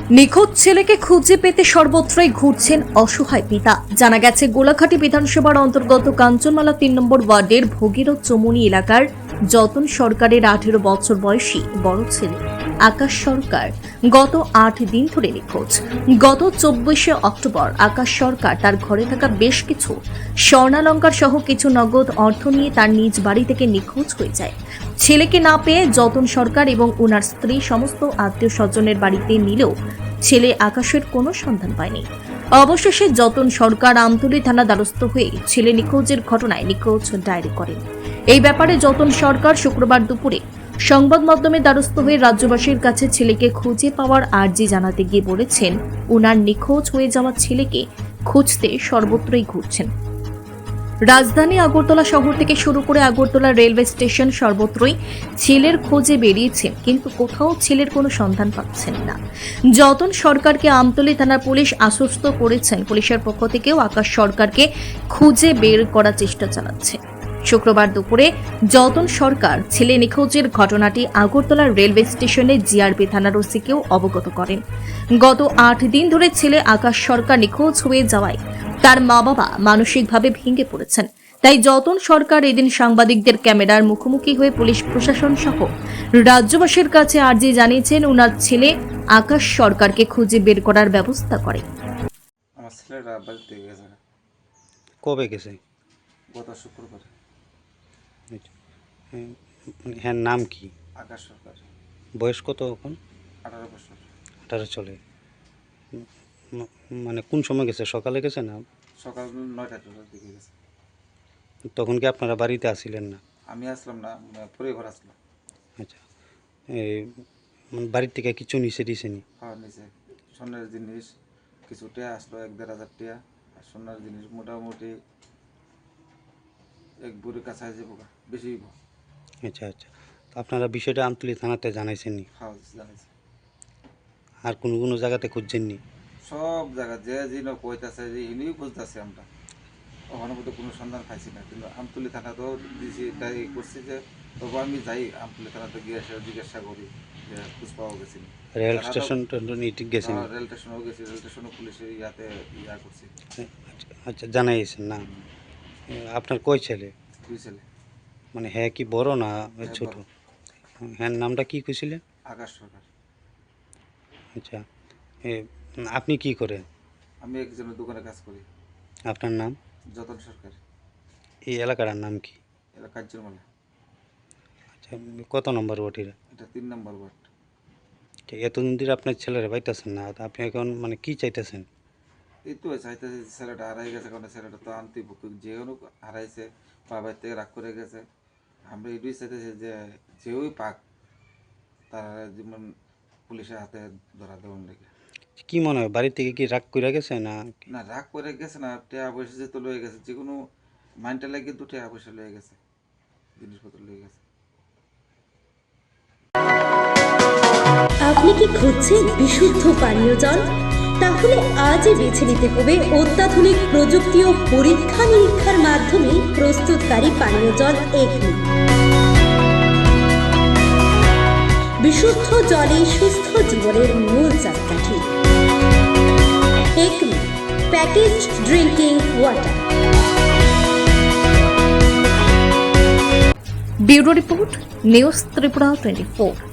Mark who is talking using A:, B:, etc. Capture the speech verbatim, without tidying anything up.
A: নিখোঁজ ছেলেকে খুঁজে পেতে সর্বত্রই ঘুরছেন অসহায় পিতা। জানা গেছে গোলাঘাটি বিধানসভার অন্তর্গত কাঞ্চনমালা তিন নম্বর ওয়ার্ডের ভগীরথ চমুনি এলাকার যতন সরকারের আঠেরো বছর বয়সী বড় ছেলে আকাশ সরকার গত আট দিন ধরে নিখোঁজ। গত চব্বিশে অক্টোবর আকাশ সরকার তার ঘরে থাকা বেশ কিছু স্বর্ণালঙ্কার সহ কিছু নগদ অর্থ নিয়ে তার নিজ বাড়ি থেকে নিখোঁজ হয়ে যায়। ছেলেকে না পেয়ে যতন সরকার এবং ওনার স্ত্রী সমস্ত আত্মীয় স্বজনের বাড়িতে নিলেও ছেলে আকাশের কোনো সন্ধান পায়নি। অবশেষে যতন সরকার আমতলী থানা দ্বারস্থ হয়ে ছেলে নিখোঁজের ঘটনায় নিখোঁজ ডায়েরি করেন। এই ব্যাপারে যতন সরকার শুক্রবার দুপুরে সংবাদ মাধ্যমে দ্বারস্থ হয়ে রাজ্যবাসীর কাছে ছেলেকে খুঁজে পাওয়ার আর্জি জানাতে গিয়ে বলেছেন, ওনার নিখোঁজ হয়ে যাওয়া ছেলেকে খুঁজতে সর্বত্রই ঘুরছেন। রাজধানী আগরতলা শহর থেকে শুরু করে আগরতলা রেলওয়ে স্টেশন সর্বত্রই ছেলের খোঁজে বেরিয়েছেন, কিন্তু কোথাও ছেলের কোনো সন্ধান পাচ্ছেন না। যতন সরকারকে আমতলী থানার পুলিশ আশ্বস্ত করেছেন, পুলিশের পক্ষ থেকেও আকাশ সরকারকে খুঁজে বের করার চেষ্টা চালাচ্ছে। শুক্রবার দুপুরে যতন সরকার ছেলে নিখোঁজের ঘটনাটি আগরতলা রেলওয়ে স্টেশনে জিআরপি থানার ওসিকেও অবগত করেন। গত আট দিন ধরে ছেলে আকাশ সরকার নিখোঁজ হয়ে যাওয়ায় তার মা বাবা মানসিকভাবে ভেঙে পড়েছেন। তাই যতন সরকার এদিন সাংবাদিকদের ক্যামেরার মুখোমুখি হয়ে পুলিশ প্রশাসন সহ রাজ্যবাসীর কাছে আর্জি জানিয়েছেন ওনার ছেলে আকাশ সরকারকে খুঁজে বের করার ব্যবস্থা করে।
B: আমার ছেলেরা বাড়িতে গেছে।
C: কবে গেছে?
B: গত শুক্রবার।
C: হ্যাঁ, নাম কি?
B: আকাশ সরকার।
C: বয়স কত এখন?
B: আঠারো বছর।
C: আঠারো চলে। মানে কোন সময় গেছে? সকালে গেছে না
B: সকাল নয়টা টাকার দিকে গেছে।
C: তখন কি আপনারা বাড়িতে আসছিলেন না?
B: আমি আসলাম না, পরিবার আসলাম।
C: আচ্ছা, এই বাড়ির থেকে কিছু নিচে দিছেনি?
B: হ্যাঁ, নিচে সোনার জিনিস কিছু টিয়া আসলো, এক দেড় হাজার টিয়া। আর সোনার জিনিস মোটামুটি এক বুড়ি কাছে যাবো, বেশি।
C: আচ্ছা আচ্ছা, তো আপনারা বিষয়টা আমতলী থানাতে জানাইছেন নি?
B: হ্যাঁ, জানিস।
C: আর কোনো কোনো জায়গাতে খুঁজছেননি?
B: সব জায়গা যে যিনি কইতাছে যে ইনিও খুঁজতেছে, আমরা ওখানে মধ্যে কোনো সন্ধান পাইছি না। কিন্তু আমতলী থানাতেও দিয়েছি, তাই করছি যে তবু আমি যাই আমতলী থানাতে গিয়ে এসে জিজ্ঞাসা করি যে খোঁজ পাওয়া গেছে না।
C: রেল স্টেশন ঠিক গেছেন?
B: রেল স্টেশনেও গেছি, রেল স্টেশনে পুলিশের ইয়াতে ইয়া করছি।
C: আচ্ছা, জানাইছেন না? আপনার কয় ছেলে?
B: দুই ছেলে।
C: মানে হ্যাঁ কি বড় না ছোট? হ্যাঁ, নামটা কি কইছিলেন?
B: আকাশ সরকার।
C: আচ্ছা, আপনি কি করেন?
B: আমি একজনের দোকানে কাজ করি।
C: আপনার নাম?
B: যতন সরকার।
C: এই এলাকার নাম কি?
B: এটা কাঞ্চনমালা।
C: আচ্ছা, কত নম্বর ওয়ার্ড?
B: এটা তিন নম্বর ওয়ার্ড।
C: এতদিন ধরে আপনার ছেলেরা পাইতেছেন না, আপনি এখন মানে কি চাইতেছেন?
B: এই তো চাইতেছে ছেলেটা হারাই গেছে, কারণ ছেলেটা তো আনতে যে কোনো হারাইছে, বাবার থেকে রাগ করে গেছে। আমরা এটাই চাইতেছি যে যেই পাক তারা যেমন পুলিশের হাতে ধরা দেওয়ার লেগে।
C: কি মনে হয়, বাড়ি থেকে কি রাগ করে গেছে না?
B: না, রাগ করে গেছে না, টাকা পয়সা যেতে লয়ে গেছে, যে কোনো মাইন্ডটা লাগিয়ে দু টাকা পয়সা লয়ে গেছে, জিনিসপত্র লয়ে গেছে।
D: আপনি কি খুঁজছেন বিশুদ্ধ পানীয় জল? তাহলে আজই বেছে নিতে হবে অত্যাধুনিক প্রযুক্তি ও পরীক্ষা নিরীক্ষার মাধ্যমে প্রস্তুতকারী পানীয় জল একমি। বিশুদ্ধ জলে সুস্থ জীবনের মূল চাকাঠি। Acme packaged drinking water.
A: Bureau report, news Tripura twenty four.